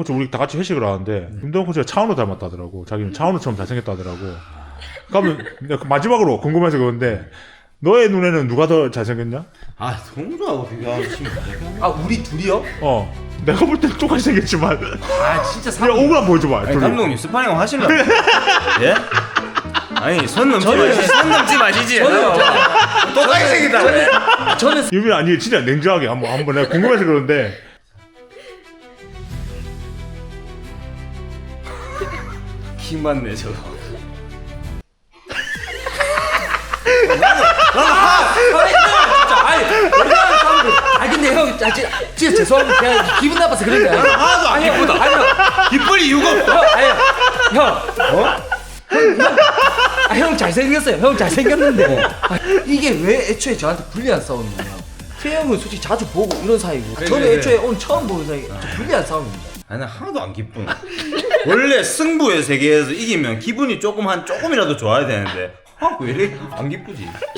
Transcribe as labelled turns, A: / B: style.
A: 어째 우리 다 같이 회식을 하는데 김동현 코치가 차은우 닮았다더라고. 자기는 차은우처럼 잘생겼다더라고. 그러면 내가 마지막으로 궁금해서 그런데 너의 눈에는 누가 더 잘생겼냐?
B: 아 성주하고 비교하면 지금
C: 아 우리 둘이요?
A: 내가 볼 때는 똑같이 생겼지만
C: 아 진짜
A: 그냥 오그라 보여줘봐.
B: 아니
A: 둘이.
B: 감독님 스파링 하실래요? 예? 아니 선 넘지 마시지. 선 넘지 마시지. 똑같이 생겼다.
C: 저는
A: 유민 아니 진짜 냉정하게 한번 내가 궁금해서 그러는데
B: 킹 받네 저거.
C: 진짜 아니 우리나라 사람들 아 근데 형 진짜 죄송합니다 그냥 기분 나빠서 그런 거야
B: 하나도 안 기쁘다.
C: 아니
B: 기쁠 이유가 없다.
C: 형 잘생겼어요 형 잘생겼는데 이게 왜 애초에 저한테 불리한 싸움이냐 태형은 솔직히 자주 보고 이런 사이고 저는
B: 그래.
C: 애초에 오늘 처음 보는 사이 좀 불리한 싸움입니다
B: 아니 난 하나도 안 기쁘네. 원래 승부의 세계에서 이기면 기분이 조금이라도 좋아야 되는데 왜 이렇게 안 기쁘지?